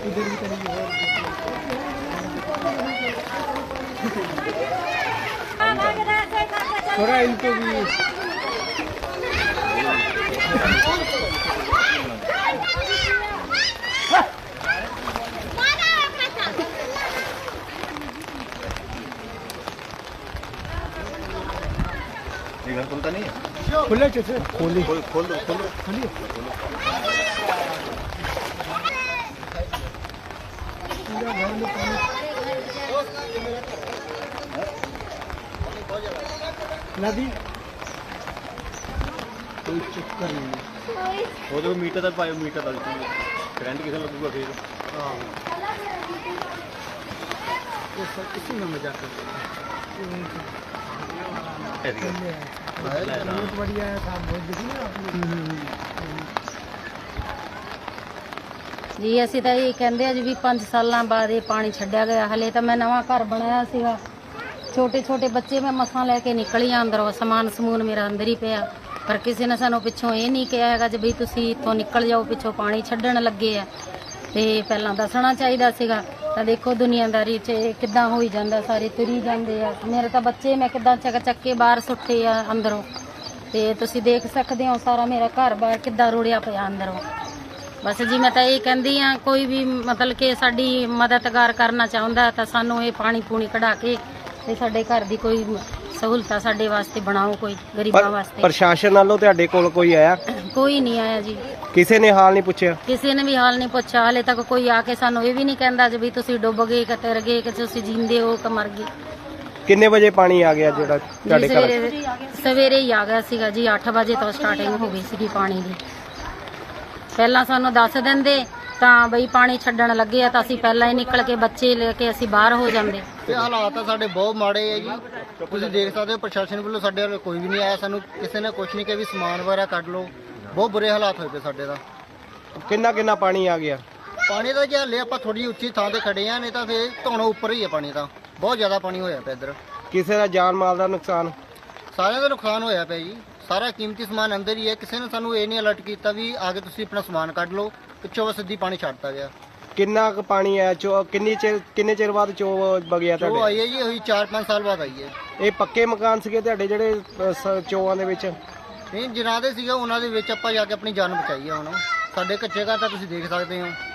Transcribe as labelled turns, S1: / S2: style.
S1: थोड़ा इनको भी
S2: घर खुलता नहीं है,
S1: खुले कैसे खोली
S2: खोल खोल दो
S1: खोलिए नदी कोई चक्कर नहीं
S2: वो तो मीटर तक पाए मीटर तक करंट किसे लगूगा फिर
S1: ये सब किसी में मजाक करते बहुत बढ़िया है काम बहुत देखिए आपने
S3: जी ਅਸੀਂ ਤਾਂ ਇਹ ਕਹਿੰਦੇ ਆ ਜੀ ਵੀ 5 ਸਾਲਾਂ ਬਾਅਦ ਇਹ ਪਾਣੀ ਛੱਡਿਆ ਗਿਆ। ਹਲੇ ਤਾਂ ਮੈਂ ਨਵਾਂ ਘਰ ਬਣਾਇਆ ਸੀਗਾ, ਛੋਟੇ ਛੋਟੇ ਬੱਚੇ ਮੈਂ ਮਸਾਂ ਲੈ ਕੇ ਨਿਕਲੀ ਆ ਅੰਦਰੋਂ, ਸਮਾਨ ਸਮੂਨ ਮੇਰਾ ਅੰਦਰ ਹੀ ਪਿਆ, ਪਰ ਕਿਸੇ ਨੇ ਸਾਨੂੰ ਪਿੱਛੋਂ ਇਹ ਨਹੀਂ ਕਿਹਾ ਹੈਗਾ ਜੀ ਵੀ ਤੁਸੀਂ ਇੱਥੋਂ ਨਿਕਲ ਜਾਓ, ਪਿੱਛੋਂ ਪਾਣੀ ਛੱਡਣ ਲੱਗੇ ਆ। ਤੇ ਪਹਿਲਾਂ ਦੱਸਣਾ ਚਾਹੀਦਾ ਸੀਗਾ। ਤਾਂ ਦੇਖੋ ਦੁਨੀਆਦਾਰੀ 'ਚ ਕਿੱਦਾਂ ਹੋਈ ਜਾਂਦਾ, ਸਾਰੇ ਤੁਰੀ ਜਾਂਦੇ ਆ। ਮੇਰੇ ਤਾਂ ਬੱਚੇ ਮੈਂ ਕਿੱਦਾਂ ਚੱਕ ਕੇ ਬਾਹਰ ਸੁੱਟੇ ਆ ਅੰਦਰੋਂ, ਤੇ ਤੁਸੀਂ ਦੇਖ ਸਕਦੇ ਹੋ ਸਾਰਾ ਮੇਰਾ ਘਰ ਬਾਹਰ ਕਿੱਦਾਂ ਰੁੜਿਆ ਪਿਆ ਅੰਦਰੋਂ। ਬਸ ਜੀ ਮੈਂ ਤਾਂ ਇਹ ਕਹਿੰਦੀ ਆ ਕੋਈ ਵੀ ਮਤਲਬ ਕਿ ਸਾਡੀ ਮਦਦਗਾਰ ਕਰਨਾ ਚਾਹੁੰਦਾ ਤਾਂ ਸਾਨੂੰ ਇਹ ਪਾਣੀ ਪੂਣੀ ਕਢਾ ਕੇ ਤੇ ਸਾਡੇ ਘਰ ਦੀ ਕੋਈ ਸਹੂਲਤਾਂ ਸਾਡੇ ਵਾਸਤੇ ਬਣਾਓ, ਕੋਈ ਗਰੀਬਾਂ ਵਾਸਤੇ।
S4: ਪ੍ਰਸ਼ਾਸਨ ਵੱਲੋਂ ਤੁਹਾਡੇ ਕੋਲ ਕੋਈ ਆਇਆ?
S3: ਕੋਈ ਨਹੀਂ ਆਇਆ ਜੀ,
S4: ਕਿਸੇ ਨੇ ਹਾਲ ਨਹੀਂ ਪੁੱਛਿਆ?
S3: ਕਿਸੇ ਨੇ ਵੀ ਹਾਲ ਨਹੀਂ ਪੁੱਛਿਆ। ਹਾਲੇ ਤੱਕ ਕੋਈ ਆ ਕੇ ਸਾਨੂੰ ਇਹ ਵੀ ਨਹੀਂ ਕਹਿੰਦਾ ਜੀ ਵੀ ਤੁਸੀਂ ਡੁੱਬ ਗਏ ਕਿ ਤਰ ਗਏ ਕਿ ਤੁਸੀਂ ਜਿੰਦੇ ਹੋ ਕਿ ਮਰ ਗਏ।
S4: ਕਿੰਨੇ ਵਜੇ ਪਾਣੀ ਆ ਗਿਆ ਜਿਹੜਾ ਤੁਹਾਡੇ ਘਰ?
S3: ਸਵੇਰੇ ਹੀ ਆ ਗਿਆ ਸੀਗਾ ਜੀ, 8 ਵਜੇ ਤੋਂ ਸਟਾਰਟਿੰਗ ਹੋ ਗਈ ਸੀਗੀ ਪਾਣੀ ਦੀ। ਪਹਿਲਾਂ ਸਾਨੂੰ ਦੱਸ ਦਿੰਦੇ ਤਾਂ ਬਈ ਪਾਣੀ ਛੱਡਣ ਲੱਗੇ ਆ ਤਾਂ ਅਸੀਂ ਪਹਿਲਾਂ ਹੀ ਨਿਕਲ ਕੇ ਬੱਚੇ ਲੈ ਕੇ ਅਸੀਂ ਬਾਹਰ ਹੋ ਜਾਂਦੇ।
S5: ਤੇ ਹਾਲਾਤ ਤਾਂ ਸਾਡੇ ਬਹੁਤ ਮਾੜੇ ਹੈ ਜੀ, ਤੁਸੀਂ ਦੇਖ ਸਕਦੇ ਹੋ। ਪ੍ਰਸ਼ਾਸਨ ਵੱਲੋਂ ਸਾਡੇ ਵੱਲ ਕੋਈ ਵੀ ਨਹੀਂ ਆਇਆ, ਸਾਨੂੰ ਕਿਸੇ ਨੇ ਕੁਝ ਨਹੀਂ ਕਿਹਾ ਵੀ ਸਮਾਨ ਵਗੈਰਾ ਕੱਢ ਲਓ। ਬਹੁਤ ਬੁਰੇ ਹਾਲਾਤ ਹੋਏ ਪਏ ਸਾਡੇ ਦਾ।
S4: ਕਿੰਨਾ ਕਿੰਨਾ ਪਾਣੀ ਆ ਗਿਆ?
S5: ਪਾਣੀ ਦਾ ਜੇ ਹਲੇ ਆਪਾਂ ਥੋੜੀ ਉੱਚੀ ਥਾਂ ਤੇ ਖੜੇ ਆ, ਨਹੀਂ ਤਾਂ ਫੇਰ ਧੌਣੋਂ ਉੱਪਰ ਹੀ ਹੈ ਪਾਣੀ ਤਾਂ। ਬਹੁਤ ਜ਼ਿਆਦਾ ਪਾਣੀ ਹੋਇਆ ਪਿਆ ਇੱਧਰ।
S4: ਕਿਸੇ ਦਾ ਜਾਨ ਮਾਲ ਦਾ ਨੁਕਸਾਨ?
S5: ਸਾਰਿਆਂ ਦਾ ਨੁਕਸਾਨ ਹੋਇਆ ਪਿਆ ਜੀ, ਸਾਰਾ ਕੀਮਤੀ ਸਮਾਨ ਅੰਦਰ ਹੀ ਹੈ। ਕਿਸੇ ਨੇ ਸਾਨੂੰ ਇਹ ਨਹੀਂ ਅਲਰਟ ਕੀਤਾ ਵੀ ਆ ਕੇ ਤੁਸੀਂ ਆਪਣਾ ਸਮਾਨ ਕੱਢ ਲਓ, ਪਿੱਛੋਂ ਬਸ ਸਿੱਧੀ ਪਾਣੀ ਛੱਡਤਾ ਗਿਆ।
S4: ਕਿੰਨਾ ਕੁ ਪਾਣੀ ਆਇਆ? ਕਿੰਨੇ ਚਿਰ ਬਾਅਦ ਚੋ ਵਗਿਆ
S5: ਉਹ
S4: ਤੁਹਾਡੇ?
S5: ਆਈ ਹੈ ਜੀ, ਉਹੀ 4-5 ਸਾਲ ਬਾਅਦ ਆਈ ਹੈ।
S4: ਇਹ ਪੱਕੇ ਮਕਾਨ ਸੀਗੇ ਤੁਹਾਡੇ ਜਿਹੜੇ ਚੋਆਂ ਦੇ ਵਿੱਚ?
S5: ਨਹੀਂ, ਜਿਨ੍ਹਾਂ ਦੇ ਸੀਗਾ ਉਹਨਾਂ ਦੇ ਵਿੱਚ ਆਪਾਂ ਜਾ ਕੇ ਆਪਣੀ ਜਾਨ ਬਚਾਈ ਆ। ਹੁਣ ਸਾਡੇ ਕੱਚੇ ਘਰ ਤਾਂ ਤੁਸੀਂ ਦੇਖ ਸਕਦੇ ਹੋ।